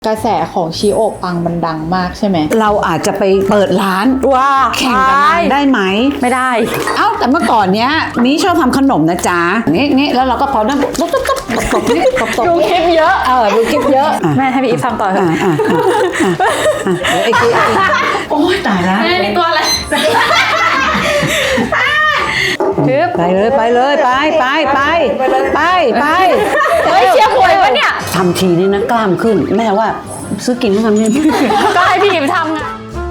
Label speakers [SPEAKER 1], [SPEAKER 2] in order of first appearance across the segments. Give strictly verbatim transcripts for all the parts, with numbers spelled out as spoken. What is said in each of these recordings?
[SPEAKER 1] กระแสของชิโอะปังมันดังมากใช่ไหม
[SPEAKER 2] เราอาจจะไปเปิดร้านว่าแข่งกันได้ไหม
[SPEAKER 1] ไม่ได้
[SPEAKER 2] เอ้าแต่เมื่อก่อนเนี้ยนี้ชอบทำขนมนะจ๊ะงี้งี้แล้วเราก็พอนั่งตุ๊บตุ๊บตุ๊บตบนี่ตบตบ
[SPEAKER 1] ดูคลิปเยอะ
[SPEAKER 2] เออดูคลิปเยอะ
[SPEAKER 1] แม่ให้พี่อีฟทำต่อเถอะ
[SPEAKER 2] เดี๋ยวไอ้กี้โอ้ยตายแล้ว
[SPEAKER 1] แม่นี่ตัวอะไร
[SPEAKER 2] ไปเลยไปเลยไปไปไปไปไป
[SPEAKER 1] เฮ้ยเชียร์หวยวะเนี่ย
[SPEAKER 2] ทำทีนี่นะกล้ามขึ้นแม่ว่าซื้อกินไม่ทำนี่
[SPEAKER 1] ก็ให้พี่อีฟทำไง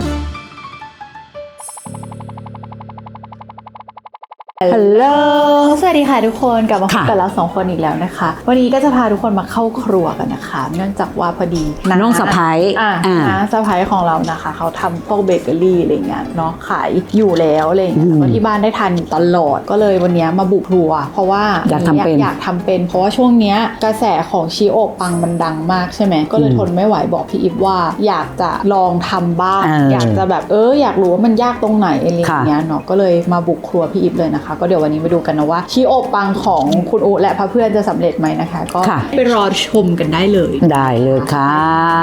[SPEAKER 1] ฮัลโหลสวัสดีค่ะทุกคนกลับมาพบกันแล้วสองคนอีกแล้วนะคะวันนี้ก็จะพาทุกคนมาเข้าครัวกันนะคะเนื่องจากว่าพอดี
[SPEAKER 2] น้องสะพ้าย
[SPEAKER 1] อ่าน้าสะพ้ายของเรานะคะเขาทำพวกเบเกอรี่อะไรเงี้ยเนาะขายอยู่แล้วอะไรเงี้ยที่บ้านได้ทานตลอดก็เลยวันนี้มาบุกครัวเพราะว่า
[SPEAKER 2] อยากทำเป็น
[SPEAKER 1] อยากทำเป็นเพราะว่าช่วงเนี้ยกระแสของชิโอะปังมันดังมากใช่ไหมก็เลยทนไม่ไหวบอกพี่อีฟว่าอยากจะลองทำบ้างอยากจะแบบเอออยากรู้ว่ามันยากตรงไหนอะไรเงี้ยเนาะก็เลยมาบุกครัวพี่อีฟเลยนะคะก็เดี๋ยววันนี้มาดูกันนะว่าชิโอะปังของคุณอุและเพื่อนจะสำเร็จไหมนะคะก็ไปรอชมกันได้เลย
[SPEAKER 2] ได้เลยค่ะ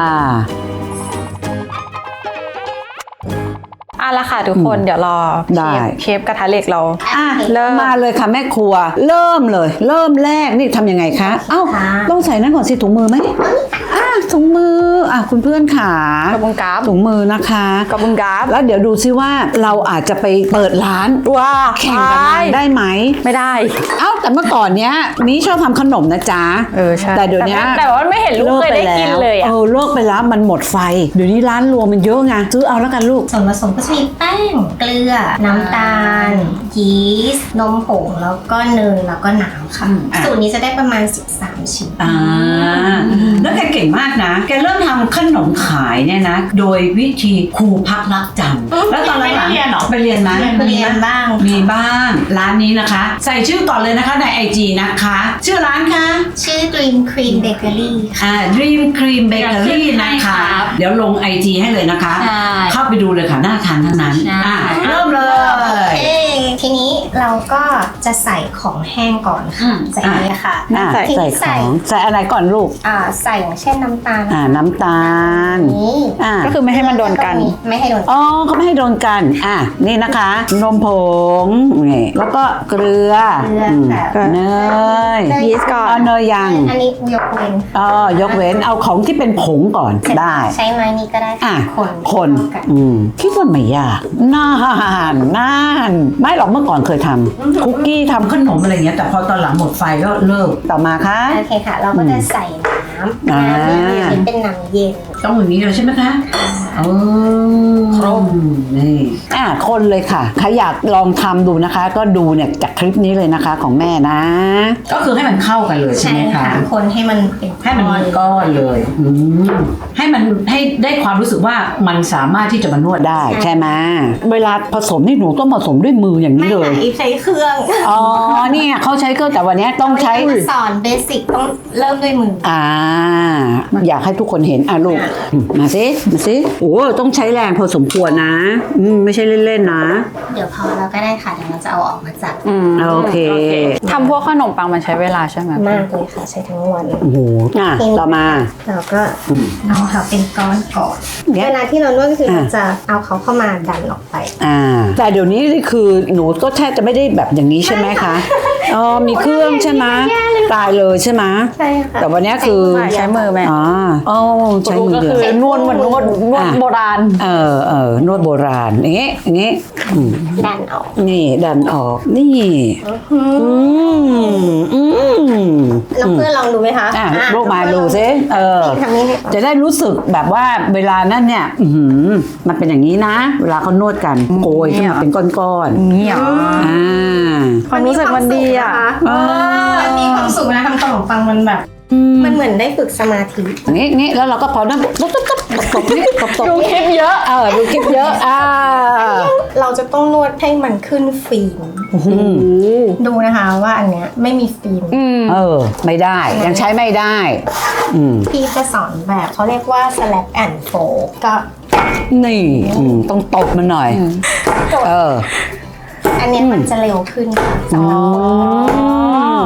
[SPEAKER 1] อ่ะละค่ะทุกคนเดี๋ยวรอเชฟกระทะเหล็กเรา
[SPEAKER 2] อ่ะเริ่มมาเลยค่ะแม่ครัวเริ่มเลยเริ่มแรกนี่ทำยังไงคะเอ้าต้องใส่นั่นก่อนสิถุงมือไหมอ่ะถุงมืออ่ะคุณเพื่อนขาก
[SPEAKER 1] ระบุงกราฟ
[SPEAKER 2] ถุงมือนะคะ
[SPEAKER 1] กระบุงกราฟ
[SPEAKER 2] แล้วเดี๋ยวดูซิว่าเราอาจจะไปเปิดร้านว่าแข่งกันได้ไหม
[SPEAKER 1] ไม่ได้
[SPEAKER 2] เอ้าแต่เมื่อก่อนเนี้ยนี้ชอบทำขนมนะจ๊ะ
[SPEAKER 1] เออใช่
[SPEAKER 2] แต่เดี๋ยวนี้
[SPEAKER 1] แต่ว่าไม่เห็นลูกเคยได้กินเลย
[SPEAKER 2] เออเลิกไปแล้วมันหมดไฟเดี๋ยวนี้ร้านรวมมันเยอะไงซื้อเอาแล้วกันลูก
[SPEAKER 3] ส่วนผสมก็จะมีแป้งเกลือน้ำตาลยีสต์นมผงแล้วก็เนยแล้วก็น้ำค่ะสูตรนี้จะได้ประมาณสิบสามชิ้น
[SPEAKER 2] อ่าแล้วแกเก่งมากนะแกเริ่มทำขนมขายเนี่ยนะโดยวิธีครูพักรักจำแล้วตอนหลังๆไปเรียนไหม
[SPEAKER 3] เรียนบ้าง
[SPEAKER 2] มีบ้างร้านนี้นะคะใส่ชื่อก่อนเลยนะคะใน ไอ จี นะคะชื่อร้านคะ
[SPEAKER 3] ชื่อ Dream Cream Bakery
[SPEAKER 2] อ่า Dream Cream Bakery นะคะเดี๋ยวลง ไอ จี ให้เลยนะคะเข้าไปดูเลยค่ะน่าทานทั้งนั้นอ่ะเริ่มเลย
[SPEAKER 3] ทีนี้เราก็จะใส่ของแห้งก่อนค่ะใส่นี้ค่ะ
[SPEAKER 2] ใส่ใส่ของใส่อะไรก่อนลูก
[SPEAKER 3] อ่าใส่อย่างเช่นน้ำตาล
[SPEAKER 2] อ่าน้ำตาล
[SPEAKER 3] นี่
[SPEAKER 1] ก็คือไม่ให้มันโดนกัน
[SPEAKER 3] ไม่ให้โดน
[SPEAKER 2] อ๋อก็ไม่ให้โดนกันอ่ะนี่นะคะนมผงนี่แล้วก็เกลือเนย
[SPEAKER 1] ยีสต์ก่อน
[SPEAKER 2] เอาเนยยัง
[SPEAKER 3] อันนี้ยกเว้น
[SPEAKER 2] อ๋อยกเว้นเอาของที่เป็นผงก่อนได้
[SPEAKER 3] ใช้ไม้นี้ก็ได้
[SPEAKER 2] อ่ะคนคนอืมคิดว่าไม่ยากนานนานไม่หรอกเมื่อก่อนเคยทำคุกกี้ทำขนมอะไรเงี้ยแต่พอตอนหลังหมดไฟก็เลิกต่อมาค่ะ
[SPEAKER 3] โอเคค่ะเราก็จะใส่น้ำน้ำนี่เป็นน้ำเย็น
[SPEAKER 2] ต้องอย่างนี้เลยใช่ไหมคะโอ้ครบนี่อ่ะคนเลยค่ะใครอยากลองทำดูนะคะก็ดูเนี่ยจากคลิปนี้เลยนะคะของแม่นะก็คือให้มันเข้ากันเลยใช่ไหมคะ
[SPEAKER 3] คนให้มันเป็น
[SPEAKER 2] ให้มันเป็นก้อนเลยอืมให้มันให้ได้ความรู้สึกว่ามันสามารถที่จะมานวดได้ใช่ไหมเวลาผสมนี่หนูต้องผสมด้วยมืออย่างนี้เลย
[SPEAKER 3] ไม่ใช้เครื่อง
[SPEAKER 2] อ๋อเนี่ยเขาใช้เครื่องแต่วันนี้ต้องใช้
[SPEAKER 3] สอนเบสิกต้องเริ่มด้วยมือ
[SPEAKER 2] อ่าอยากให้ทุกคนเห็นอ่ะลูกมาสิมาสิโอ้ต้องใช้แรงพอสมควรนะอืมไม่ใช่เล่นๆนะ
[SPEAKER 3] เดี๋ยวพอเราก็ได้ค่ะเดี๋ยวเราจะเอาออกมาจัด
[SPEAKER 2] อืมโอเค
[SPEAKER 1] ทำพวกขนมปังมันใช้เวลาใช่ไหม
[SPEAKER 3] มากเลยค่ะใช้ทั้งวัน
[SPEAKER 2] โอ้โหอ่ะต่อมา
[SPEAKER 3] เราก็เอาเขาเป็นก้อนก่อนเวลาที่เรานวดก็คือเราจะเอาเขาเข้ามาดันออกไป
[SPEAKER 2] อ่าแต่เดี๋ยวนี้คือหนูก็แทบจะไม่ได้แบบอย่างนี้ใช่ไหมคะอ๋อมีเครื่องใช่ไหมตายเลยใช่ไหม
[SPEAKER 3] ใช่ค่ะ
[SPEAKER 2] แต่วันนี้คือ
[SPEAKER 1] ใช้มือไหม
[SPEAKER 2] อ๋ออ๋อใช้มือ
[SPEAKER 1] ก็คือนวดเหมือนนวดนวดโบราณ
[SPEAKER 2] เออเออนวดโบราณอย่างเงี้ยอย่างเงี้ย
[SPEAKER 3] ดันออก
[SPEAKER 2] นี่ดันออกนี่อืมอืม
[SPEAKER 3] แล้วเพื่อนลองดูไหมคะ
[SPEAKER 2] อ่ะลูกมาดูซิเออจะได้รู้สึกแบบว่าเวลานั้นเนี่ยมันเป็นอย่างนี้นะเวลาเขานวดกันโกยขึ้นมาเป็นก้อน
[SPEAKER 1] ๆนี่อ่ะความรู้สึกมันดีอ่ะ
[SPEAKER 3] มันมีความสุขนะทำขนมปังมันแบบมันเหมือนได้ฝึกสมาธิ
[SPEAKER 2] นี่นี่แล้วเราก็พอนั่งตุ๊บตุ๊บตุ๊บตบนี่ตบตบ
[SPEAKER 1] ดูคลิปเยอะ
[SPEAKER 2] เออดูคลิปเยอะอ่า
[SPEAKER 3] เราจะต้องนวดให้มันขึ้นฟิล์มดูนะคะว่าอันเนี้ยไม่มีฟิล์ม
[SPEAKER 2] เออไม่ได้ยังใช้ไม่ได้
[SPEAKER 3] พี่จะสอนแบบเขาเรียกว่า slap and fold ก็
[SPEAKER 2] นี่ต้องตบมันหน่อยเออ
[SPEAKER 3] อันนี้มันจะเร็วขึ้นค่ะ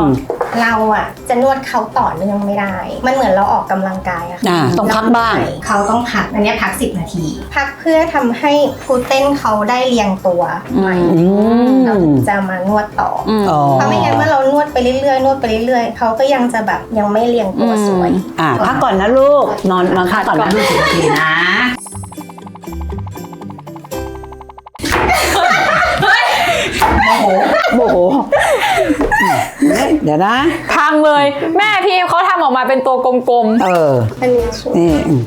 [SPEAKER 3] เราอ่ะจะนวดเขาต่อเนื่องไม่ได้ มันเหมือนเราออกกำลังกายอะค่ะ
[SPEAKER 2] อ่าต้องพักบ้าง
[SPEAKER 3] เขาต้องพักอันนี้พักสิบนาที พักเพื่อทำให้กลูเตนเขาได้เรียงตัวใหม่
[SPEAKER 2] อืม
[SPEAKER 3] เราจะมานวดต่ออ
[SPEAKER 2] อ๋อ
[SPEAKER 3] เพราะไม่งั้นเมื่อเรานวดไปเรื่อยๆนวดไปเรื่อยๆเขาก็ยังจะแบบยังไม่เรียงตัวสวย
[SPEAKER 2] อ่ะพักก่อนนะลูกนอนนอนพักก่อนนะลูกสิบนาทีนะโมโหโมโหเดี๋ยวนะ
[SPEAKER 1] พังเลยแม่พี่เขาทำออกมาเป็นตัวกลม
[SPEAKER 2] เออ
[SPEAKER 3] อันนี้สวย
[SPEAKER 2] นี่อืม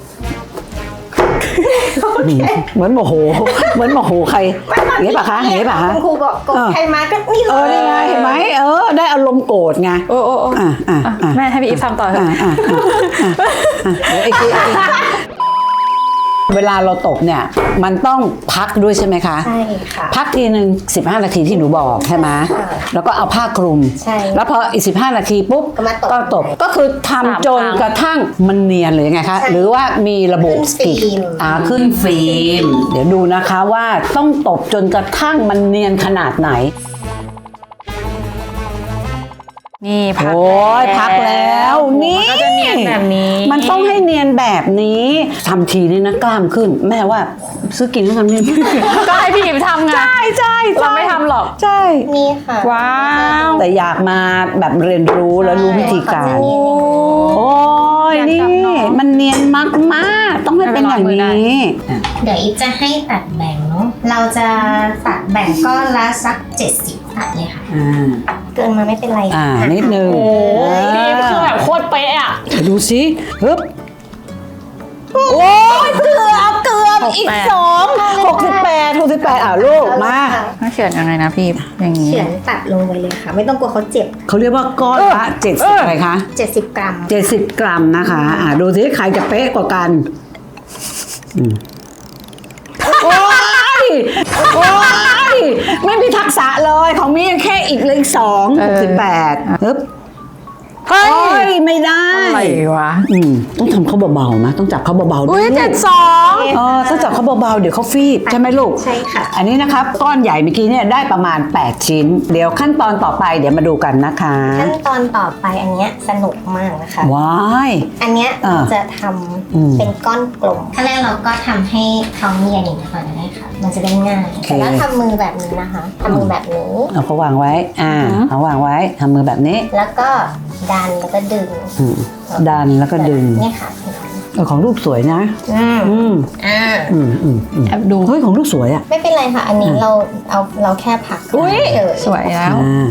[SPEAKER 2] เหมือนโมโหเหมือนโมโหใครเห็นปะคะเห็นปะคะ
[SPEAKER 3] คุณครูบอกกดใครมาก็นี่เล
[SPEAKER 2] เออย นี่ไงเห็นไหมเออได้อารมณ์โกรธไง
[SPEAKER 1] ๆโอ้โอ้โอ้
[SPEAKER 2] อ่ะอ่ะอ่ะ
[SPEAKER 1] แม่ให้พี่อีฟทำต่อเถ
[SPEAKER 2] อ่ะ
[SPEAKER 1] อะ
[SPEAKER 2] อ่ะอ่ะอ่ะอ่ะเดี๋ยวไอ้ทีไอ้ทีเวลาเราตกเนี่ยมันต้องพักด้วยใช่ไหมคะ
[SPEAKER 3] ใช่ค่ะ
[SPEAKER 2] พักทีหนึ่งสิบห้านาทีที่หนูบอกใช่ไหม
[SPEAKER 3] ค่ะ
[SPEAKER 2] แล้วก็เอาผ้าคลุม
[SPEAKER 3] ใช่
[SPEAKER 2] แล้วพออีกสิบห้านาทีปุ๊บ
[SPEAKER 3] ก็มาตบ
[SPEAKER 2] ก็ตบก็คือทำจนกระทั่งมันเนียนหรือยังไงคะ
[SPEAKER 3] ใช่
[SPEAKER 2] หรือว่ามีระบบ
[SPEAKER 3] ขึ้นฟิล์ม
[SPEAKER 2] อ่าขึ้นฟิล์มเดี๋ยวดูนะคะว่าต้องตบจนกระทั่งมันเนียนขนาดไหน
[SPEAKER 1] นี่พัก
[SPEAKER 2] โอ้ยพักแล้วนี่
[SPEAKER 1] มันก็จะเนียนแบบนี้
[SPEAKER 2] มันต้องให้เนียนแบบนี้ทำทีนี่นะกล้ามขึ้น แม่ว่าซื้อกินแล้วทำนี่
[SPEAKER 1] ก็ให้พี่อีฟทำไง
[SPEAKER 2] ใช่ใช่
[SPEAKER 1] เราไม่ทำหรอก
[SPEAKER 2] ใช่
[SPEAKER 3] นี่ค่ะ
[SPEAKER 1] ว้าว
[SPEAKER 2] แต่อยากมาแบบเรียนรู้แล้วรู้วิธีการ โอ้ย
[SPEAKER 1] อยาก
[SPEAKER 2] นี่
[SPEAKER 1] จับน้อง
[SPEAKER 2] มันเนียนมากมากๆต้องให้เป็นอย่าง
[SPEAKER 1] ไม่เป็นไรมือได้
[SPEAKER 2] นี้
[SPEAKER 3] เดี๋ยวอีฟจะให้ตัดแบ่งเนาะ เราจะตัดแบ่งก้อนละสักเจ็ดสิบตัดเลยค่ะ
[SPEAKER 2] อ่า
[SPEAKER 3] เกินมาไม่เป็นไร
[SPEAKER 2] อ่านิดนึง
[SPEAKER 1] โอ้ย
[SPEAKER 2] อ่า
[SPEAKER 1] พี่อีฟคือแบบโคตรเป๊ะอะ
[SPEAKER 2] ดูสิฮึบโอ้ยเกือบเกือบอีกสองหกสิบแปดหกสิบแปดอ่ะลูกมา
[SPEAKER 1] ต้องเขียนยังไงนะพี่อีฟอย่างนี้
[SPEAKER 3] เขียนตัดลงไปเลยค่ะ ไม่ต้องกลัวเขาเจ็บ
[SPEAKER 2] เขาเรียกว่าก้อนละเจ็ดสิบอะไรคะ
[SPEAKER 3] เจ็ดสิบกรัม
[SPEAKER 2] เจ็ดสิบกรัมนะคะ อ่าดูสิใครจะเป๊ะกว่ากันอืมโอ้ยโอ้ยไม่มีทักษะเลยของมีแค่อีกเลขสองหกสิบแปดฮึบ
[SPEAKER 1] เฮ้
[SPEAKER 2] โอ้
[SPEAKER 1] ย
[SPEAKER 2] ยไม่ได้
[SPEAKER 1] อะไรวะ
[SPEAKER 2] อืมต้องทำเขาเบาๆนะต้องจับเขาเบาๆด้
[SPEAKER 1] อุ้
[SPEAKER 2] วย ย
[SPEAKER 1] เจ็ดสอง
[SPEAKER 2] เออต้องจับเขาเบาๆเดี๋ยวเขาฟีบใช่ไหมลูก
[SPEAKER 3] ใช่ค่ะ
[SPEAKER 2] อันนี้นะครับก้อนใหญ่เมื่อกี้เนี่ยได้ประมาณแปดชิ้น เดี๋ยวขั้นตอนต่อไปเดี๋ยวมาดูกันนะคะ
[SPEAKER 3] ขั้นตอนต่อไปอันเนี้ยสนุกมากนะคะ
[SPEAKER 2] ว้าย
[SPEAKER 3] อันเนี้ย
[SPEAKER 2] อ่า
[SPEAKER 3] จะท
[SPEAKER 2] อืม
[SPEAKER 3] ำเป็นก้อนกลมขั้นแรกเราก็ทำให้เขาเนียนอย่างนี้ก่อนได้ค่ะ มันจะได้ง่าย
[SPEAKER 2] โอเค
[SPEAKER 3] แต่แล้วทำมือแบบนี้นะคะทำมือแบบนี้
[SPEAKER 2] เอาเขาวางไว้ อ่าเอาวางไว้ทำมือแบบนี้
[SPEAKER 3] แล้วก็ดันแล้วก็ดึง
[SPEAKER 2] อืมดันแล้วก็ดึง
[SPEAKER 3] นี่ค่ะ
[SPEAKER 2] เออของลูกสวยนะ
[SPEAKER 3] อืม
[SPEAKER 2] อืม
[SPEAKER 3] อ่า
[SPEAKER 2] อืมอืมอืม
[SPEAKER 1] แอบดู
[SPEAKER 2] เฮ้ยของลูกสวยอ่ะ
[SPEAKER 3] ไม่เป็นไรค่ะ อันนี้เราเอาเราแค่พัก
[SPEAKER 1] อุ้ย
[SPEAKER 3] เฉย
[SPEAKER 1] สวยแล้ว
[SPEAKER 2] อ่า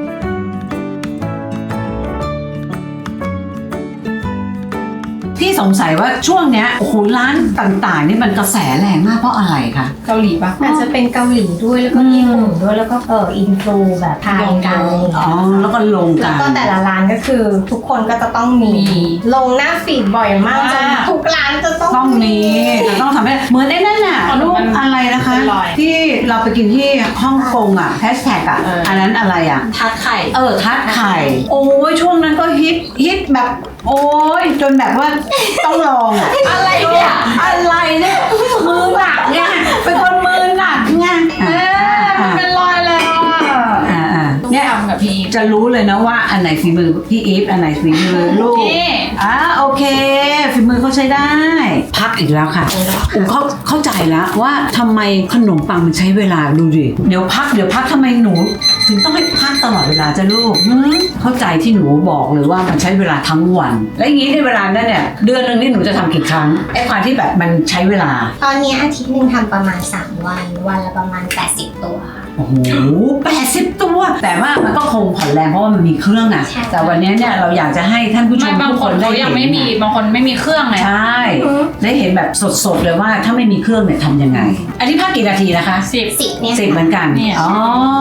[SPEAKER 2] พี่สงสัยว่าช่วงเนี้ยโอ้โหร้านต่างๆนี่มันกระแสแรงมากเพราะอะไรคะ
[SPEAKER 1] เกาหลีปะ
[SPEAKER 3] อาจจะเป็นเกาหลีด้วยแล้วก็ญี่ปุ่นด้วยแล้วก็เอออินฟลูแบบไทยกันอะไรอย่าง
[SPEAKER 2] อ๋อ
[SPEAKER 3] เงี้ย
[SPEAKER 2] แล้วก็ลง
[SPEAKER 3] แล้
[SPEAKER 2] กั
[SPEAKER 3] วน ก็แต่ละร้านก็คือทุกคนก็จะต้องมี
[SPEAKER 1] มี
[SPEAKER 3] ลงหน้าฟีดบ่อยมากจน
[SPEAKER 1] อ่า
[SPEAKER 3] ทุกร้านจะต้อง
[SPEAKER 2] ต้องมีแต่ต้องทำให้เหมือนไอ้นั่นน่ะ
[SPEAKER 1] ขนม
[SPEAKER 2] รูป
[SPEAKER 1] มัน
[SPEAKER 2] อะไรนะคะ
[SPEAKER 1] เป็นรอย
[SPEAKER 2] ที่เราไปกินที่ฮ่องกงอ่ะแฮชแท็กอ่ะ
[SPEAKER 1] เอออั
[SPEAKER 2] อันนั้นอะไรอ่ะ
[SPEAKER 1] ทัดไข่
[SPEAKER 2] เออทัดไข่ โอ้ยช่วงนั้นก็ฮิตฮิตแบบ โอ้ยจนแบบว่าต้องลองอ่ะ
[SPEAKER 1] อะไรเนี่ย
[SPEAKER 2] อะไรเนี่ยมือหนักไงเป็นคนมือหนักไง
[SPEAKER 1] เออมันเป็นรอยแล้วอ่ะ
[SPEAKER 2] อ่าอ่า
[SPEAKER 1] เนี่ยทำกับพี่อีฟ
[SPEAKER 2] จะรู้เลยนะว่าอันไหนฝีมือพี่อีฟอันไหนฝีมือลูก
[SPEAKER 1] นี่
[SPEAKER 2] อ่าโอเคฝีมือเขาใช้ได้ พักอีกแล้วค่ะอูเขาเข้าใจแล้วว่าทำไมขนมปังมันใช้เวลาดูดิเดี๋ยวพักเดี๋ยวพักทำไมหนู ถึงต้องให้พักตลอดเวลาจ้ะลูกหืมเข้าใจที่หนูบอกเลยว่ามันใช้เวลาทั้งวัน และอย่างนี้ในเวลานั้นเนี่ยเดือนหนึงนี่หนูจะทำกี่ครั้งไอ้ความที่แบบมันใช้เวลา
[SPEAKER 3] ตอนนี้อาทิตย์หนึ่งทำประมาณสามวัน วันละประมาณแปดสิบตัว
[SPEAKER 2] โอ้โหแปดสิบตัว แต่ว่ามันก็คงผ่อนแรงเพราะว่ามันมีเครื่องอะ
[SPEAKER 3] ใช่
[SPEAKER 2] แต่วันนี้เนี่ยเราอยากจะให้ท่านผู้ช
[SPEAKER 1] ไม่
[SPEAKER 2] ม
[SPEAKER 1] บาง
[SPEAKER 2] ทุก
[SPEAKER 1] ค
[SPEAKER 2] คน นได้
[SPEAKER 1] เขา
[SPEAKER 2] เห็น
[SPEAKER 1] ยังไม่มี
[SPEAKER 2] อะ
[SPEAKER 1] บางคนไม่มีเครื่องเลย
[SPEAKER 2] ใช่ ได้เห็นแบบสดๆเลยว่าถ้าไม่มีเครื่องเนี่ยทำยังไง อันนี้พักกี่นาทีนะคะ
[SPEAKER 1] สิบ
[SPEAKER 3] สิบเนี่ย
[SPEAKER 2] สิบเหมือนกัน
[SPEAKER 1] เนี่ย
[SPEAKER 2] อ๋อ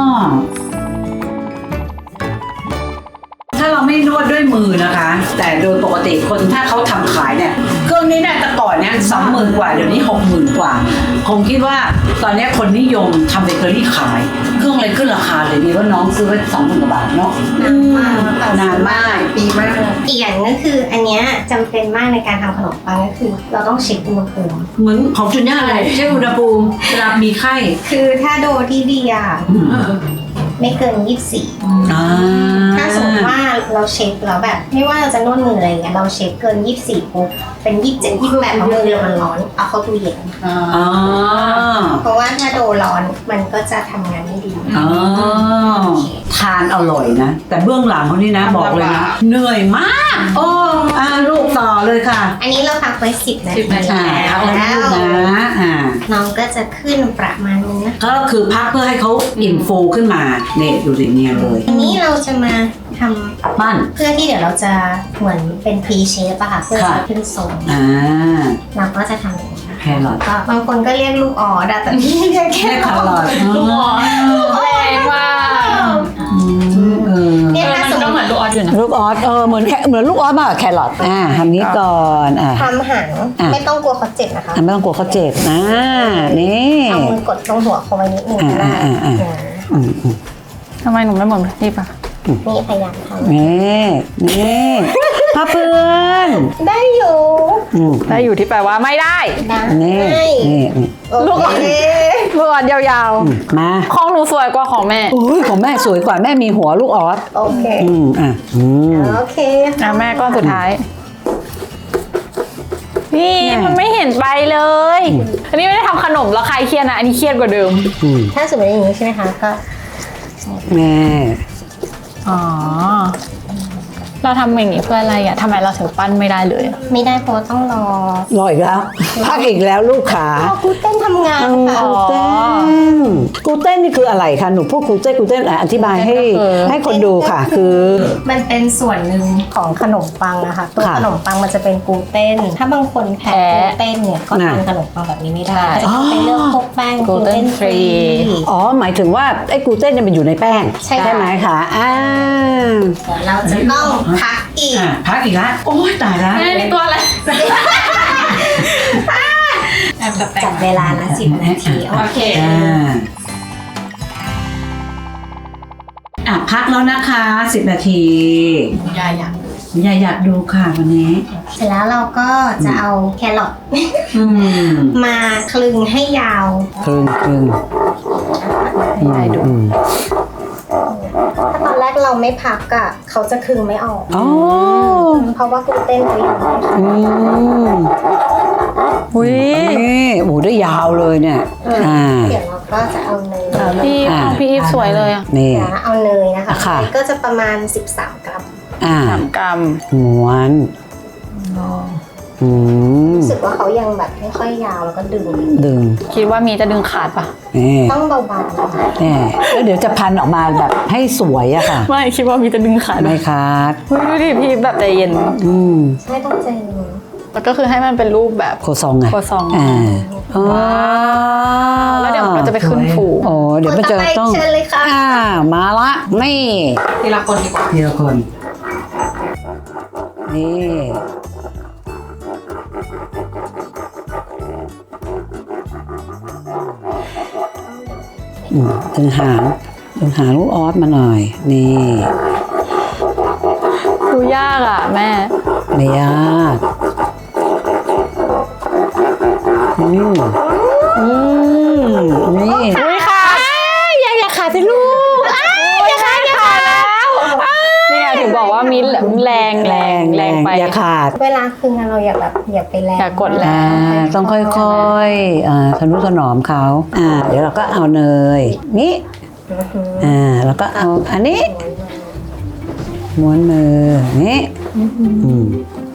[SPEAKER 2] ถ้าเราไม่นวดด้วยมือนะคะ แต่โดยปกติคนถ้าเขาทำขายเนี่ยเครื่องนี้เนี่ยแต่ก่อนเนี่ยสองหมื่นกว่าเดี๋ยวนี้หกหมื่นกว่าคงคิดว่าตอนนี้คนนิยมทำเบเกอรี่ขาย เครื่องอะไรขึ้นราคาเลยดีว่าน้องซื้อไว้สองหมื่นกว่าบาทเนาะ
[SPEAKER 3] นานมากค่ะ
[SPEAKER 2] นานมาก
[SPEAKER 3] ปีมาก อีกอย่างก็คืออันเนี้ยจำเป็นมากในการทำขนมปังก็คือ เราต้องเช็คอุณหภูมิ
[SPEAKER 2] เหมือนของจุนย่าเลยเช็คอุณหภูมิเวลามีไข้
[SPEAKER 3] คือถ้าโดที่ดีอ่ะไม่เกินยี่สิบสี่
[SPEAKER 2] อ่า
[SPEAKER 3] ถ้าสมมติว่าเราเช็คแล้วแบบ ไม่ว่าเราจะนวดมืออะไรเงี้ยเราเช็คเกินยี่สิบสี่ปุ๊บเป็นยี่สิบเจ็ดยี่สิบแปดเพราะมือเรามันร้อนเอาเข้าตู้เย็น
[SPEAKER 2] อ๋อ
[SPEAKER 3] เพราะว่าถ้าโดนร้อนมันก็จะทำงานไม่ดี
[SPEAKER 2] อ๋อทานอร่อยนะ แต่เบื้องหลังเขานี่นะบอกเลยนะเหนื่อยมากโอ้อ่าลูกต่อเลยค่ะ
[SPEAKER 3] อันนี้เราพักไว้สิบนาที
[SPEAKER 2] อ่า
[SPEAKER 3] แล้ว
[SPEAKER 2] เอาแล้วลูกนะอ่า
[SPEAKER 3] น้องก็จะขึ้นประมาณนี้นะ
[SPEAKER 2] ก็คือพักเพื่อให้เขาอิ่มฟูขึ้นมาเนี่ยดูสิเนี่ยเลย
[SPEAKER 3] อันนี้เราจะมาทำ
[SPEAKER 2] ปั้น
[SPEAKER 3] เพื่อที่เดี๋ยวเราจะเหมือนเป็นพรีเชฟอะค่ะเพื่อ
[SPEAKER 2] ค่ะ
[SPEAKER 3] จะขึ้นทรง
[SPEAKER 2] อ่า
[SPEAKER 3] เราก็จะทำอย่างนี้นะ
[SPEAKER 2] แครอท
[SPEAKER 3] ก็บางคนก็เรียกลูกออดอะแต่พี่เรียกแค่
[SPEAKER 2] แค่แครอท
[SPEAKER 3] ลูกออด
[SPEAKER 1] แรงมาก
[SPEAKER 2] เออ
[SPEAKER 3] เนี่ย
[SPEAKER 1] เออ
[SPEAKER 3] ถ้า
[SPEAKER 1] มัน
[SPEAKER 3] สม
[SPEAKER 1] ก็
[SPEAKER 3] ม
[SPEAKER 1] เหมือ
[SPEAKER 3] ติ
[SPEAKER 1] นลูกออสอยู่นะ
[SPEAKER 2] ลูกออสเออเหมือนแค่เหมือนลูกออสมากกว่าแครอทอ่าทำนี้ก่อนอ่า
[SPEAKER 3] ทำหาง
[SPEAKER 2] อ่ะ
[SPEAKER 3] ไม่ต้องกลัวเขาเจ็บนะคะ
[SPEAKER 2] อ่ะไม่ต้องกลัวเขาเจ็บนะนี่
[SPEAKER 3] เอามือกดตรงหัวเขาไว้นิดนึงก็ได้
[SPEAKER 2] อ่าอ่าอ่า
[SPEAKER 3] นะ
[SPEAKER 2] อืมอืม
[SPEAKER 1] ทำไมหนูไม่เหมือนพี่ปะ
[SPEAKER 3] นี่พยายามทำ
[SPEAKER 2] นี่นี่พ่อเพื่อน
[SPEAKER 3] ได้อยู่
[SPEAKER 2] อืม
[SPEAKER 1] ได้อยู่ที่แปลว่าไม่ได้
[SPEAKER 3] ได้
[SPEAKER 2] นี่นี่นี่
[SPEAKER 3] โอ
[SPEAKER 1] ลูกออ
[SPEAKER 3] เค
[SPEAKER 1] สลูกออสยาว
[SPEAKER 2] อืมมา
[SPEAKER 1] ๆของหนูสวยกว่าของแม่
[SPEAKER 2] อุ้ยของแม่สวยกว่าแม่มีหัวลูกออส
[SPEAKER 3] โอเค
[SPEAKER 2] อืมอ่ะอืม
[SPEAKER 3] โอเค
[SPEAKER 1] อ่ะแม่ก้อนสุดท้าย นี่
[SPEAKER 2] เนี่ย
[SPEAKER 1] มันไม่เห็นไปเลย อันนี้ไม่ได้ทำขนมแล้วใครเครียดนะ อันนี้เครียดกว่าเดิม
[SPEAKER 2] อืม
[SPEAKER 3] ถ้าสมมติอย่างนี้ใช่ไหมคะก็
[SPEAKER 2] แม่
[SPEAKER 1] อ๋อ เราทำอย่างนี้เพื่ออะไรอ่ะทำไมเราถึงปั้นไม่ได้เลยอะ
[SPEAKER 3] ไม่ได้เพราะว่าต้องรอ
[SPEAKER 2] รออีกแล้ว พักอีกแล้วลูกขา
[SPEAKER 3] รอกูเต้นทำงานค่ะ
[SPEAKER 2] กลูเต้นกลูเต้นนี่คืออะไรคะหนูพูดกลูเต้นกลูเต้นอ่ะอธิบายให้ให้คนดูค่ะ คือ
[SPEAKER 3] มันเป็นส่วนหนึ่งของขนมปังนะคะตัว
[SPEAKER 2] ค่ะ
[SPEAKER 3] ขนมปังมันจะเป็นกลูเต้น ถ้าบางคนแพ้กลูเต้นเนี่ยก็
[SPEAKER 2] น่ะ
[SPEAKER 3] ทานขนมปังแบบนี้ไม่ได้
[SPEAKER 1] ใช่
[SPEAKER 3] จะต้องไปเลือกพวกแป้งกลูเต้นฟรี
[SPEAKER 2] อ๋อหมายถึงว่าไอ้กลูเต้นเนี่ยมันอยู่ในแป้ง
[SPEAKER 3] ใช่ค่ะ
[SPEAKER 2] ไหมคะอ่า
[SPEAKER 3] เดี๋ยวเราจะต้องพักอีก
[SPEAKER 2] อ่ะพักอีกแล้วโอ้ยตายแล้ว
[SPEAKER 1] แม่นี่ตัวอะไร
[SPEAKER 3] จัดเวลาละสิบนาที
[SPEAKER 1] โอเค
[SPEAKER 2] อ่าอ่ะพักแล้วนะคะสิบนาที
[SPEAKER 1] ยายอยาก
[SPEAKER 2] ยายอยากดูค่ะวันนี้
[SPEAKER 3] เสร็จแล้วเราก็จะเอาแครอท
[SPEAKER 2] อืม
[SPEAKER 3] มาคลึงให้ยาว
[SPEAKER 2] ครึ่งครึ่ง
[SPEAKER 1] ให้ยายดู
[SPEAKER 2] อืม
[SPEAKER 3] ถ้าตอนแรกเราไม่พักอะเขาจะคลึงไม่ออก
[SPEAKER 2] อ๋อ
[SPEAKER 3] เพราะว่ากลูเต้นเขาอยู่
[SPEAKER 2] อืม
[SPEAKER 1] อุ้ย
[SPEAKER 2] นี่โอ้โหได้ยาวเลยเนี่ยอ่า
[SPEAKER 3] เดี๋ยวเราก็จะเอาเนย
[SPEAKER 1] พี่
[SPEAKER 2] อ่า
[SPEAKER 1] ของพี่อีฟสวยเลยอ่ะ
[SPEAKER 2] นี่
[SPEAKER 3] นะเอาเนยนะคะ
[SPEAKER 2] ค่ะ
[SPEAKER 3] เนยก็จะประมาณสิบสามกรัม
[SPEAKER 2] อ่า
[SPEAKER 1] สามกรัม
[SPEAKER 2] ม้วนอืม
[SPEAKER 3] รู้สึกว่าเขายังแบบไม่ค่อยยาวแล้วก็ดึง
[SPEAKER 2] ดึง
[SPEAKER 1] คิดว่ามีจะดึงขาดปะ
[SPEAKER 2] นี่
[SPEAKER 3] ต้องเบาๆนะคะ
[SPEAKER 2] นี่แล้วเดี๋ยวจะพันออกมาแบบให้สวยอะค่ะ
[SPEAKER 1] ไม่คิดว่ามีจะดึงขาด
[SPEAKER 2] ไม่คัด
[SPEAKER 1] เฮ้ยดูดิพี่แบบใจเย็น
[SPEAKER 2] อืม
[SPEAKER 3] ใช่ต้องใจเย็น
[SPEAKER 1] แล้วก็คือให้มันเป็นรูปแบบ
[SPEAKER 2] โคซองไง
[SPEAKER 1] โคซอง
[SPEAKER 2] อ่าอ๋อ
[SPEAKER 1] แล้วเดี๋ยวเราจะไปขึ้นฟู
[SPEAKER 2] โอ้เดี๋ยวมันจะ
[SPEAKER 3] คนต่อไป
[SPEAKER 2] ต้อง
[SPEAKER 3] เชิญเลยค่ะ
[SPEAKER 2] อ่ามาละนี่
[SPEAKER 1] ทีละคนดีกว่า
[SPEAKER 2] ทีละคน นี่อืมดึงหางดึงหางลูกออสมาหน่อย นี่
[SPEAKER 1] ดูยากอ่ะแม่
[SPEAKER 2] ไม่ยากอืมอืมนี่
[SPEAKER 1] อุ้ยค่ะอย่าอย่าขาดสิลูกอย่าขาดอย่าขาดแล้วนี่ไงถึงบอกว่ามีแรงแรงแรงไป
[SPEAKER 2] อย่าขาด
[SPEAKER 3] เวลาคืองานเราอย่าแบบอย่าไปแรง
[SPEAKER 1] อย่ากดแร
[SPEAKER 2] อ่าต้องค่อยๆอ่าทนุถนอมเขาอ่า เดี๋ยวเราก็เอาเนยนี่
[SPEAKER 3] อือหือ
[SPEAKER 2] อ่าแล้วก็เอาอันนี้ม้วนมือนี่อืม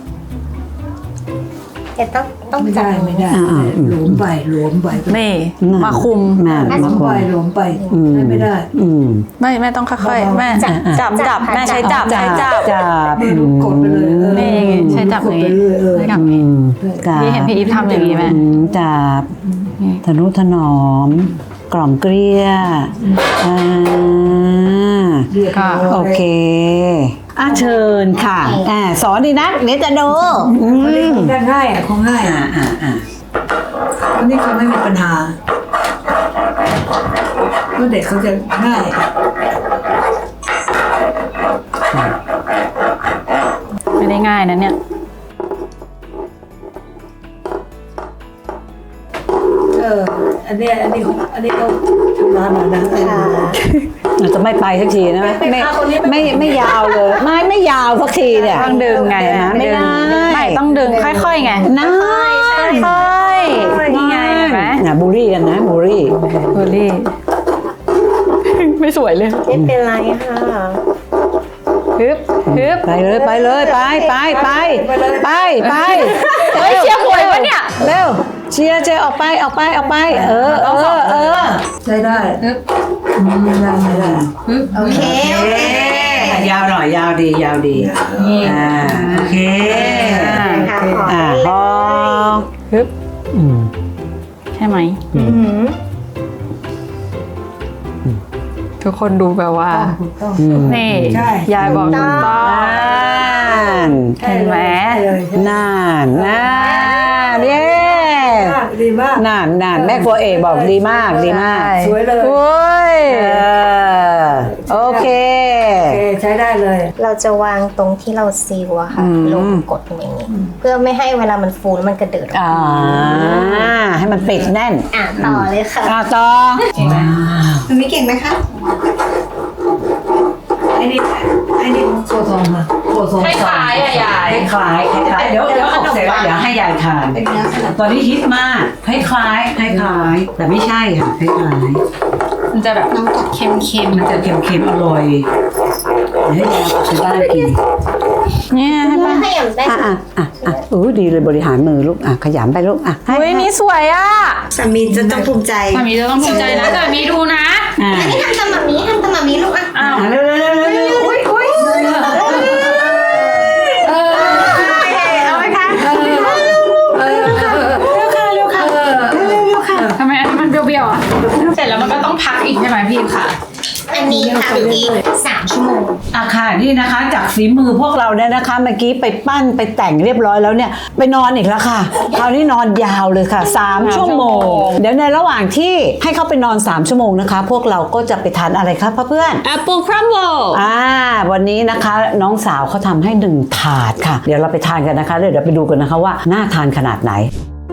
[SPEAKER 3] แต่ต้องต้อง
[SPEAKER 4] ไม่
[SPEAKER 3] จั
[SPEAKER 4] ได้
[SPEAKER 3] บ
[SPEAKER 4] ไม่ได้
[SPEAKER 2] อ่าๆอืม
[SPEAKER 4] หลวมไปหลวมไป
[SPEAKER 1] นี่มาคุม
[SPEAKER 2] น่า
[SPEAKER 4] หล
[SPEAKER 2] มาว
[SPEAKER 4] ม
[SPEAKER 2] คุ
[SPEAKER 4] ไป
[SPEAKER 2] ม
[SPEAKER 4] หลวมไป
[SPEAKER 2] อืม
[SPEAKER 4] ไม่ได้
[SPEAKER 2] อืม
[SPEAKER 1] ไม่แม่ต้องค่อยๆแม่จับจับจับแม่ใช้จับใช้จับ
[SPEAKER 2] จับ
[SPEAKER 4] ไม่รู้กดไปเลยเออ
[SPEAKER 1] นี่ใช้จับ
[SPEAKER 4] กด
[SPEAKER 1] อย่าง
[SPEAKER 4] ไป
[SPEAKER 1] นี้
[SPEAKER 4] เรื่อยเออ
[SPEAKER 1] ใช้จับ
[SPEAKER 2] อืมจับ
[SPEAKER 1] พี่เห็นพี่อีฟทำอย่างนี้ไหม
[SPEAKER 2] อืมจับทนุถนอม กล่อมเกลี้ยอ่า
[SPEAKER 4] เรียบร้อย
[SPEAKER 2] โอเคอ่ะเชิญค่ะอ่าสอนดีนะเดี๋ยวจะดูอื
[SPEAKER 4] อันนี้
[SPEAKER 2] ม
[SPEAKER 4] คงได้ง่ายอ่ะคงง่าย
[SPEAKER 2] อ่า
[SPEAKER 4] อ่ะ
[SPEAKER 2] อ่าอ่า
[SPEAKER 4] อันนี้คงไม่มีปัญหาเพราะเด็กเขาจะง่าย
[SPEAKER 1] ไม่ได้ง่ายนะเนี่ย
[SPEAKER 4] เอออันเนี้ยอันนี้อันนี้เขาทำร้านหน่อยนะ
[SPEAKER 3] ค่ะ
[SPEAKER 2] อาจจะไม่ไปสักทีนะไม่ไม่ไม่ยาวเลยไม่ไม่ยาวสักทีเนี่ย
[SPEAKER 1] ต้องดึงไง
[SPEAKER 2] นะไม่ได้
[SPEAKER 1] ไม่ต้องดึงค่อยๆไง
[SPEAKER 2] นะ
[SPEAKER 1] ค่อยๆนี่ไงเห็นไหม
[SPEAKER 2] นะบูรี่กันนะบูรี่
[SPEAKER 1] เบอร์รี่ ไม่สวยเลย
[SPEAKER 3] ไม่เป็นไรค่ะ
[SPEAKER 1] ฮึบฮึบ
[SPEAKER 2] ไปเลยไปเลยไปไปไปไปไป
[SPEAKER 1] เฮ้ยเชียร์หวยวะเนี่ย
[SPEAKER 2] เร็วเชียร์เชียร์ออกไปออกไปออกไปเออเออเออ
[SPEAKER 4] ใช้ได้อืมได้ไม่ได้
[SPEAKER 3] โอเค โอเค
[SPEAKER 2] ยาวหน่อยยาวดียาวดีอ่าโอเค
[SPEAKER 3] ค่ะขอ
[SPEAKER 2] อ่า
[SPEAKER 3] ให้
[SPEAKER 2] พ
[SPEAKER 3] เล
[SPEAKER 2] อย
[SPEAKER 1] ฮึบ
[SPEAKER 2] อืม
[SPEAKER 1] ใช่ไหม
[SPEAKER 3] อือหือ
[SPEAKER 1] ทุกคนดูแบบว่า
[SPEAKER 2] อืม
[SPEAKER 1] นี่
[SPEAKER 4] ใช่
[SPEAKER 1] ยายบอกถูกต้อง
[SPEAKER 2] นั่น
[SPEAKER 1] เห็นไหม
[SPEAKER 4] ได้เลย
[SPEAKER 2] นั่นนั่นเย้
[SPEAKER 4] ดีมาก
[SPEAKER 2] นั่นนั่นแม่ครัวเอกบอกดีมากดีมาก
[SPEAKER 4] สวยเลย
[SPEAKER 1] โอ้ย
[SPEAKER 2] เออโอเค
[SPEAKER 4] โอเคใช้ได้เลย
[SPEAKER 3] เราจะวางตรงที่เราซีลอะค่ะ
[SPEAKER 2] อืม
[SPEAKER 3] ลงกดอย่างนี้ เพื่อไม่ให้เวลามันฟูแล้วมันกระเดิดออก
[SPEAKER 2] อ่าให้มันปิดแน่น
[SPEAKER 3] อ่ะต่อเลยค่ะ
[SPEAKER 2] อ่าต่อ
[SPEAKER 3] มันไม่เก่งไหมคะ
[SPEAKER 4] ไอ้นี่ไอ้นี่โคทองค่ะโคทอง
[SPEAKER 1] คล้ายๆอะยาย
[SPEAKER 2] คล้ายๆคล้ายๆเดี๋ยวเดี๋ยวออกเสร็จแล้วเดี๋ยวให้ยายทานตอนนี้ฮิตมากคล้ายคล้ายคล้ายคล้ายๆแต่ไม่ใช่ค่ะคล้ายคล้าย
[SPEAKER 1] มันจะแบบน้ำตกเค็ม
[SPEAKER 2] ๆมันจะเค็มๆอร่อยเดี๋ยวให้ยายเอาไปบ้านกิน
[SPEAKER 1] ๆเนี่ยให้ป้า
[SPEAKER 3] ให้ยำได้
[SPEAKER 2] อ่ะอ่ะอ่ะอ่ะเออดีเลยบริหารมือลูกอ่ะขยำไปลูกอ่ะให้
[SPEAKER 1] เฮ้ยนี่สวยอ่ะ
[SPEAKER 3] สามีจะต้องภูมิใจ
[SPEAKER 1] สามีจะต้องภูมิใจนะแต่มีดูนะ
[SPEAKER 2] อ่ะ
[SPEAKER 3] อันนี้ทำตามแบบนี้ทำตามแบบนี้ลูกอ่ะ
[SPEAKER 1] อ้าว
[SPEAKER 2] อ่ะเร็วเร็วเร็วเร็วเร็วอุ้ยอุ้ย
[SPEAKER 1] เอาไหมคะทำไมอันนี้มันเบี้ยวๆอ่ะเสร็จแล้วมันก็ต้องพักอีกใช่ไหมพี่ค่ะ
[SPEAKER 3] อันนี้ทำอีกสามชั่วโมง
[SPEAKER 2] อ่ะค่ะนี่นะคะ จากฝีมือพวกเราเนี่ยนะคะเมื่อกี้ไปปั้นไปแต่งเรียบร้อยแล้วเนี่ยไปนอนอีกแล้วค่ะคราวนี้นอนยาวเลยค่ะสามชั่วโมง เดี๋ยวในระหว่างที่ให้เขาไปนอนสามชั่วโมงนะคะ พวกเราก็จะไปทานอะไรครับเพื่อน
[SPEAKER 1] Apple Crumble
[SPEAKER 2] อ่าวันนี้นะคะน้องสาวเขาทำให้หนึ่งถาดค่ะ เดี๋ยวเราไปทานกันนะคะเดี๋ยวเราไปดูกันนะคะว่าน่าทานขนาดไหน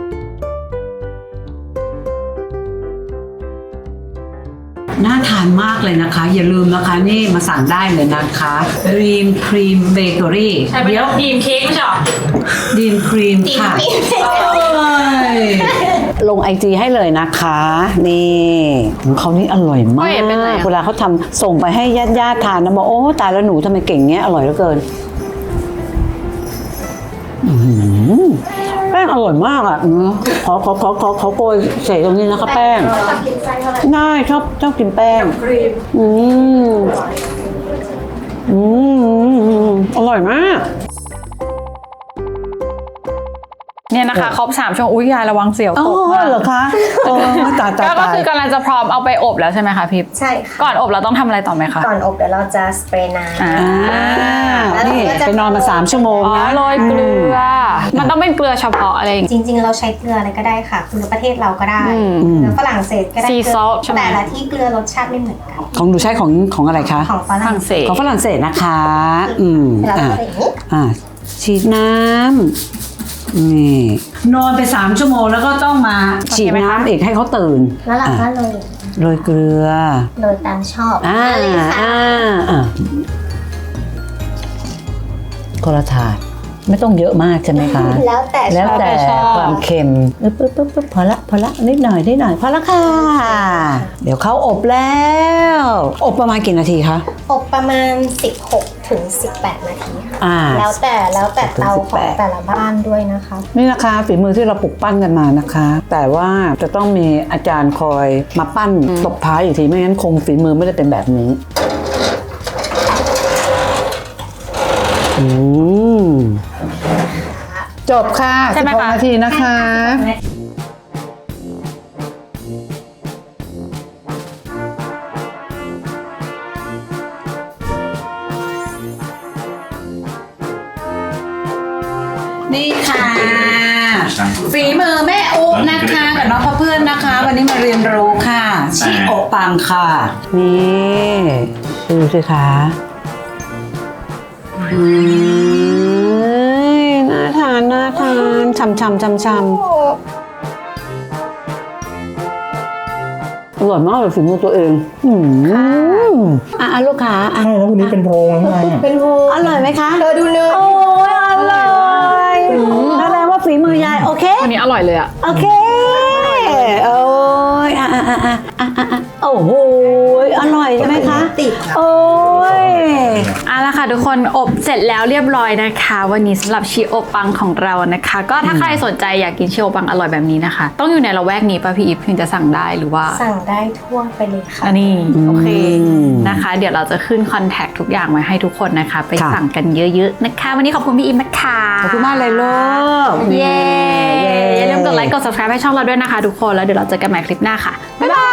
[SPEAKER 2] น่าทานมากเลยนะคะ อย่าลืมนะคะนี่มาสั่งได้เลยนะคะดีมครีมเบเกอรี่
[SPEAKER 1] ใช่ไหม
[SPEAKER 2] เดี๋ยว
[SPEAKER 1] ดีมเค้กไม่ใช่หรอ
[SPEAKER 2] ดีมครีมค่ะ
[SPEAKER 3] ดีมครีม
[SPEAKER 2] เอ้ยลงไอจีให้เลยนะคะ นี่ของเขานี่อร่อยมา
[SPEAKER 1] เฮ้ยเป็นไง
[SPEAKER 2] ก
[SPEAKER 1] อะ
[SPEAKER 2] เวลาเขาทำส่งไปให้ญาติญาติๆทานนะบอกโอ้ตายแล้วหนูทำไมเก่งเงี้ยอร่อยเหลือเกินอื้อหือแป้งอร่อยมากอ่ะเนอะขอขอขอขอขอโกยใส่ตรงนี้นะคะแป้ง
[SPEAKER 3] ชอบกินไส้เท่าไหร่
[SPEAKER 2] ง่ายชอบชอบกินแป้ง
[SPEAKER 4] ครีม
[SPEAKER 2] อืมอืมอร่อยมาก
[SPEAKER 1] เนี่ยนะคะครบสามชั่วโมงอุ้ยยายระวังเสียว
[SPEAKER 2] อ๋
[SPEAKER 1] ต
[SPEAKER 2] อก
[SPEAKER 1] มาก
[SPEAKER 2] เหรอคะโอ้ตายตาย
[SPEAKER 1] ก็
[SPEAKER 2] ตาย
[SPEAKER 1] คือกำลังจะพร้อมเอาไปอบแล้วใช่ไหมคะพี่
[SPEAKER 3] ใช่ค่ะ
[SPEAKER 1] ก่อนอบเราต้องทำอะไรต่อไหมคะ
[SPEAKER 3] ก่อนอบเดี๋ยวเราจะสเปรย์น้ำ
[SPEAKER 1] อ่า
[SPEAKER 2] อ่านี่ไปนอนมาสามชั่วโมง
[SPEAKER 1] อ๋อ
[SPEAKER 2] นะ
[SPEAKER 1] โรยเกลือ มันต้องเป็นเกลือเฉพาะอะไรอย่างงี้
[SPEAKER 3] จริงๆ เราใช้เกลืออะไรก็ได้ค่ะเกลือประเทศเราก็ได้
[SPEAKER 1] อืม
[SPEAKER 3] เกลือฝรั่งเศสก็ได้
[SPEAKER 1] Sea
[SPEAKER 3] เกลื
[SPEAKER 1] salt ใช่ไหม
[SPEAKER 3] แต่ละที่เกลือรสชาติไม่เหมือนกัน
[SPEAKER 2] ของหนูใช้ของของอะไรคะ
[SPEAKER 3] ของฝ
[SPEAKER 1] ฝ
[SPEAKER 3] รั่ง
[SPEAKER 1] รั่งเศส
[SPEAKER 2] ของฝรั่งเศสนะคะ อืม
[SPEAKER 3] แล้ว
[SPEAKER 2] อ่า
[SPEAKER 3] ก็อย่างนี้
[SPEAKER 2] อ่าฉีดน้ำนี่นอนไปสามชั่วโมงแล้วก็ต้องมาฉีดน้ำอีกให้เขาตื่น
[SPEAKER 3] แล้วเราก็
[SPEAKER 2] อ่ะ
[SPEAKER 3] โรย
[SPEAKER 2] โรยเกลือ
[SPEAKER 3] โรยตามชอบ
[SPEAKER 2] อ่า
[SPEAKER 3] เลยค่ะ
[SPEAKER 2] อ่าอ่าคนละถาดไม่ต้องเยอะมากใช่ไหมคะ
[SPEAKER 3] แล้วแต่ช
[SPEAKER 2] แล้ว
[SPEAKER 3] อบ
[SPEAKER 2] แต่
[SPEAKER 1] ชอบ
[SPEAKER 2] ความเค็มปึ๊บปึ๊บปึ๊บปึ๊บพอละพอละนิดหน่อยนิดหน่อยพอละค่ะ เดี๋ยวเขาอบแล้ว อบประมาณกี่นาทีคะ
[SPEAKER 3] อบประมาณสิบหกถึงสิบแปดนาทีค่ะ
[SPEAKER 2] อ่า
[SPEAKER 3] แล้วแต่แล้วแต่เตาของ
[SPEAKER 2] สิบแปด
[SPEAKER 3] แต่ละบ้านด้วยนะคะ
[SPEAKER 2] นี่นะคะฝีมือที่เราปลุกปั้นกันมานะคะ แต่ว่าจะต้องมีอาจารย์คอยมาปั้นตบท้ายอีกทีไม่งั้นคงฝีมือไม่ได้เป็นแบบนี้อืมจบค่ะ
[SPEAKER 1] ใช่ไหม
[SPEAKER 2] สิบหก
[SPEAKER 1] คะ
[SPEAKER 2] นาทีนะคะ นี่ค่ะ ฝีมือแม่อุ๊นะคะกับน้องพ่อเพื่อนนะคะ วันนี้มาเรียนรู้ค่ะชิโอะปังค่ะ นี่ดูสิคะอืมน่าทานน่าทานช่ำช่ำช่ำช่ำอร่อยมากเลยฝีมือตัวเองอืมอ่ะลูกค้าอ่ะ
[SPEAKER 5] ใช่แล้ววันนี้เป็นโพรงข้างในอะ
[SPEAKER 3] เป็นโฮ
[SPEAKER 2] อร่อยไหมคะ
[SPEAKER 3] เธอดูเนื้อ
[SPEAKER 2] โอ้ยอร่อยแสดงว่าฝีมือยายโอเค
[SPEAKER 1] วันนี้อร่อยเลยอะ
[SPEAKER 2] โอเค โอ้ยอ่ะอ่ะอ่ะอ่ะอ่ะอ่ะโอ้โหอร่อยใช่ไหมคะ
[SPEAKER 3] ติด
[SPEAKER 2] โอ้ย
[SPEAKER 1] เอาละค่ะทุกคนอบเสร็จแล้วเรียบร้อยนะคะ วันนี้สำหรับชีโอปังของเรานะคะ ก็ถ้าใครสนใจอยากกินชีโอปังอร่อยแบบนี้นะคะ ต้องอยู่ในละแวกนี้ป่ะพี่อีฟถึงจะสั่งได้หรือว่า
[SPEAKER 3] สั่งได้ทั่วไปเลยค่ะ
[SPEAKER 1] อันนี้โอเค
[SPEAKER 2] อืม
[SPEAKER 1] นะคะ เดี๋ยวเราจะขึ้นคอนแทคทุกอย่างไว้ให้ทุกคนนะคะ ไป
[SPEAKER 2] ค่ะ
[SPEAKER 1] สั่งกันเยอะๆนะคะ วันนี้ขอบคุณพี่อีฟนะคะ
[SPEAKER 2] ขอบคุณมากเลยลูก
[SPEAKER 1] เย้อย่าลืมกดไลค์กด subscribe ให้ช่องเราด้วยนะคะทุกคนแล้วเดี๋ยวเราเจอกันใหม่คลิปหน้าค่ะบ๊ายบาย